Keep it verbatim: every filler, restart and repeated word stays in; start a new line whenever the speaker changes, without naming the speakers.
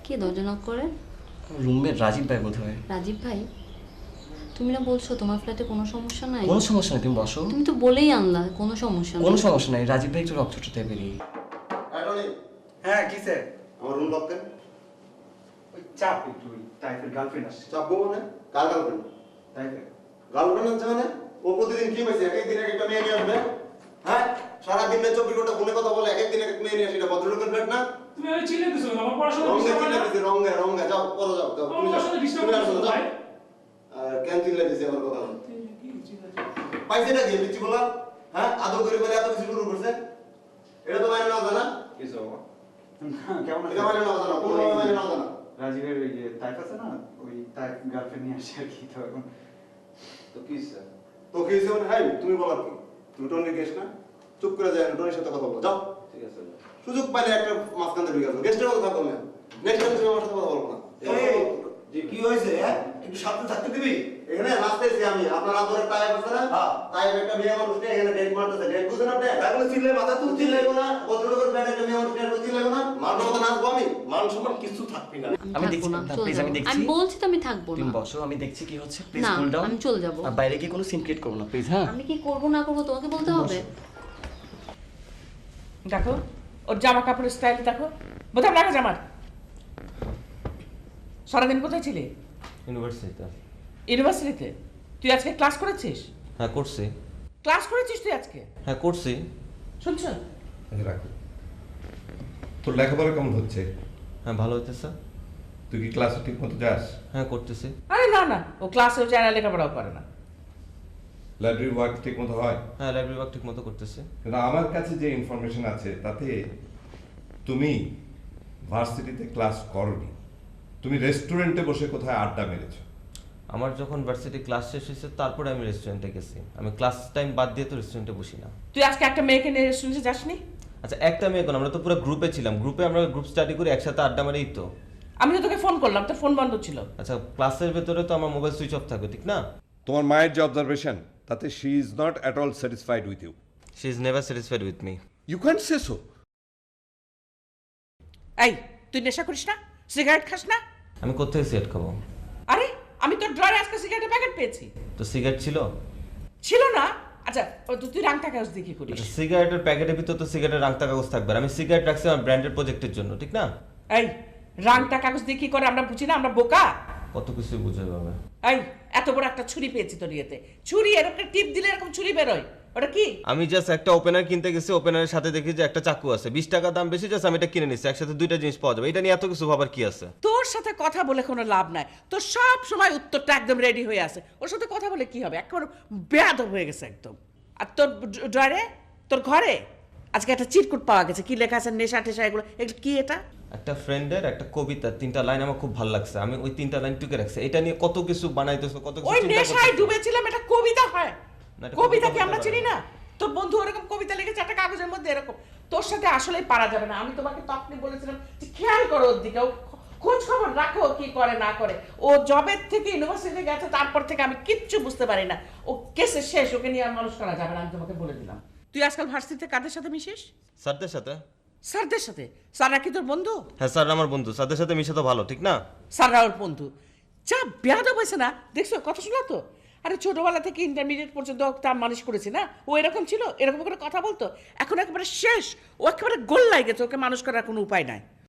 কে দরজা নক করে?
রুমমেট রাজীব ভাই বোধ হয়।
রাজীব ভাই, তুমি না বলছো তোমার ফ্ল্যাটে কোনো সমস্যা নাই?
কোনো সমস্যা নেই, তুমি বসো।
তুমি তো বলেই আনলা কোনো সমস্যা নেই।
কোনো সমস্যা নাই, রাজীব ভাই একটু রক্তটা বেরিয়ে।
হ্যাঁ কি স্যার?
আমার রুম লক দেন।
ওই চাপ একটু, ওই টাইপের গার্লফ্রেন্ড আসছে।
চাপবো মানে কার গার্লফ্রেন্ড?
টাইপের
গার্লফ্রেন্ড আছে মানে ও প্রতিদিন কি পাইছে? এক একদিন এক একটা মেয়ে নিয়ে আসবে। হ্যাঁ, সারাদিন না চব্বিশ ঘন্টা ফোনে কথা বলে এক একদিন এক এক মেয়ে নিয়ে আসে, এটা ভদ্রলোকের ফ্ল্যাট না?
তুমি আমি চিনে দিছো না আমার পড়াশোনা
রঙে
ডিস্টার্ব
চিল্লা
হয় না?
দিছে, রঙে রঙে যাও পরে যাও যাও তুমি যাও
পড়াশোনা ডিস্টার্ব
তুমি আসো
করছো
যাও।
ভাই।
আর কেন চিল্লা দিছে আমার কথা?
কি চিন্তা
পাইছে না কি বিচ্ছি বলা? হ্যাঁ, আদর করে বলে এত কিছু শুরু করছে। এটা তো মানে না জানা?
কিছু বাবা কেমন
এটা মানে না জানা, কোনো মানে না জানা।
রাজীবের ওই যে টাইপ আছে না, ওই টাইপ গার্লফ্রেন্ড নিয়ে আসছে আর কি। তো এখন তো কি স্যার?
তো কি হইছে মানে? হাই তুমি বলার কি? তুমি টনির গেস্ট না? চুপ করে যায় না, টনির সাথে কথা বলো যাও।
ঠিক আছে
সুযোগ পাইলে একটা মাঝখান থেকে ঢুকে আসো, গেস্টের মতো থাকো না। নেক্সট টাইম তুমি আমার সাথে কথা বলবো না।
এই, যে কি হয়েছে হ্যাঁ একটু সাথে থাকতে দিবি?
এখানে রাস্তায় আমি আপনার আদরের টাইপ আছে না?
হ্যাঁ।
টাইপ একটা মেয়ে মানুষকে এখানে ডেট মারতেছে, ডেট বুঝেন আপনি?
তাহলে চিল্লে মাথা তুলছি
চিল্লাই লাগবে না, ভদ্রলোকের ফ্ল্যাটে একটা মেয়ে মানুষ ডেট চিল্লাই লাগবে না, মারবার মতো নাচবো আমি?
মান সম্মান কিছু থাকবি না।
আমি
আমি
দেখছি
থাকবো না,
না,
চলে
প্লিজ
যাবো।
আমি দেখছি।
আমি বলছি তো আমি থাকবো
তুমি
না।
বসো, আমি দেখছি কি হচ্ছে, প্লিজ
না,
কুল ডাউন।
আমি চলে যাবো।
আর বাইরে গিয়ে কোনো সিন ক্রিয়েট করো না প্লিজ। হ্যাঁ,
আমি কি করবো না করবো তোমাকে বলতে হবে?
দেখো ওর জামা কাপড়ের স্টাইল দেখো, বোতাম লাগা জামার। সারাদিন কোথায় ছিলি?
ইউনিভার্সিটিতে।
ইউনিভার্সিটিতে? তুই আজকে ক্লাস করেছিস?
হ্যাঁ করছি।
ক্লাস করেছিস তুই আজকে?
হ্যাঁ করছি।
শুনছ?
রাখো। তোর লেখাপড়া কেমন হচ্ছে?
হ্যাঁ ভালো হইতেছে।
তুই কি ক্লাসে ঠিক মতো যাস?
হ্যাঁ করতেছি।
আরে না না, ও ক্লাসেও যায় না, লেখাপড়াও করে না।
লাইব্রেরি ওয়ার্ক ঠিক মতো হয়?
হ্যাঁ লাইব্রেরি ওয়ার্ক ঠিক মতো করতেছি।
কিন্তু আমার কাছে যে ইনফরমেশন আছে তাতে তুমি ভার্সিটিতে ক্লাস করনি, তুমি রেস্টুরেন্টে বসে কোথায় আড্ডা মেরেছো।
আমার যখন ভার্সিটি ক্লাস শেষ হয়েছে তারপরে আমি রেস্টুরেন্টে গেছি। আমি ক্লাস টাইম বাদ দিয়ে তো রেস্টুরেন্টে বসি না।
তুই আজকে একটা মেয়েকে নিয়ে রেস্টুরেন্টে যাসনি?
আচ্ছা একটা মেয়ে কোন, আমরা তো পুরো গ্রুপে ছিলাম, গ্রুপে আমরা গ্রুপ স্টাডি করে একসাথে আড্ডা মারেই তো।
আমি তো তোকে ফোন করলাম, তোর ফোন বন্ধ ছিল।
আচ্ছা ক্লাসের ভেতরে তো আমার মোবাইল সুইচ অফ থাকবে, ঠিক না?
তোমার মায়ের যে অবজারভেশন তাতে she is not at all satisfied with you.
She is never satisfied with me.
You can't say so.
এই তুই নেশা করিস না? সিগারেট খাস না?
আমি কোথায় সিগারেট খাবো?
আরে আমি তোর ড্রয়ারে আজকে সিগারেটের প্যাকেট পেয়েছি।
তো সিগারেট ছিল?
ছিল না? আচ্ছা ও তো তুই রাংটা কাগজ দিয়ে কি করিস?
আচ্ছা সিগারেটের প্যাকেটের ভিতর তো সিগারেটের রাংতা কাগজ থাকবে, আর আমি সিগারেট রাখছি আমার ব্র্যান্ডের প্রজেক্টের জন্য, ঠিক না?
এই রাংটা কাগজ দিয়ে কি করে আমরা বুঝি না? আমরা বোকা?
কত কিছু বুঝে পাবে।
এই এত বড় একটা ছুরি পেয়েছি তোর ইয়েতে, ছুরি এরকম টিপ দিলে এরকম ছুরি বেরোয়, ওটা কি?
আমি জাস্ট একটা ওপেনার কিনতে গেছি, ওপেনারের সাথে দেখি যে একটা চাকু আছে, বিশ টাকা দাম বেশি, জাস্ট আমি এটা কিনে নিচ্ছি, একসাথে দুইটা জিনিস পাওয়া যাবে, এটা নিয়ে এত কিছু ভাবার কি আছে?
তোর সাথে কথা বলে কোনো লাভ নাই, তোর সব সময় উত্তরটা একদম রেডি হয়ে আছে, ওর সাথে কথা বলে কি হবে? একেবারে বেয়াদব হয়ে গেছে একদম। আর তোর ড্রয়ারে, তোর ঘরে আজকে একটা চিরকুট পাওয়া গেছে, কি লেখা আছে? নেশা টেশা এগুলো, এগুলো কি? এটা
একটা ফ্রেন্ডের একটা কবিতা, তিনটা লাইন আমার খুব ভালো লাগছে, আমি ওই তিনটা লাইন টুকে রাখছি, এটা নিয়ে কত কিছু বানাইতেছো, কত কিছু
ওই
চিন্তা
নেশায়
করতেছো।
ডুবেছিলাম, এটা কবিতা হয়?
না, এটা
কবিতা কি
কবিতা
আমরা
হয়।
চিনি না? তোর বন্ধু ওরকম কবিতা লিখেছে একটা কাগজের মধ্যে এরকম। তোর সাথে আসলেই পারা যাবে না। আমি তোমাকে তখনই বলেছিলাম যে খেয়াল করো ওর দিকে, ও খোঁজ খবর রাখো কি করে না করে। ও জবের থেকে ইউনিভার্সিটি গেছে, তারপর থেকে আমি কিচ্ছু বুঝতে পারি না। ও কেসে শেষ, ওকে নিয়ে আর মানুষ করা যাবে না, আমি তোমাকে বলে দিলাম। তুই আজকাল ভার্সিটিতে কাদের সাথে মিশিস?
স্যারদের সাথে।
স্যারদের সাথে? স্যাররা কি তোর বন্ধু?
হ্যাঁ স্যার আমার বন্ধু, স্যারদের সাথে মিশে তো ভালো, ঠিক না?
স্যাররা ওর বন্ধু? যা বেয়াদব হয়েছে না, দেখছো কথা শোনা তো? আরে ছোটবেলা থেকে ইন্টারমিডিয়েট পর্যন্ত তার মানুষ করেছি না, ও এরকম ছিল, এরকম করে কথা বলতো, এখন একেবারে শেষ, ও একেবারে গোল লাগে গেছে, ওকে মানুষ করার কোনো উপায় নাই।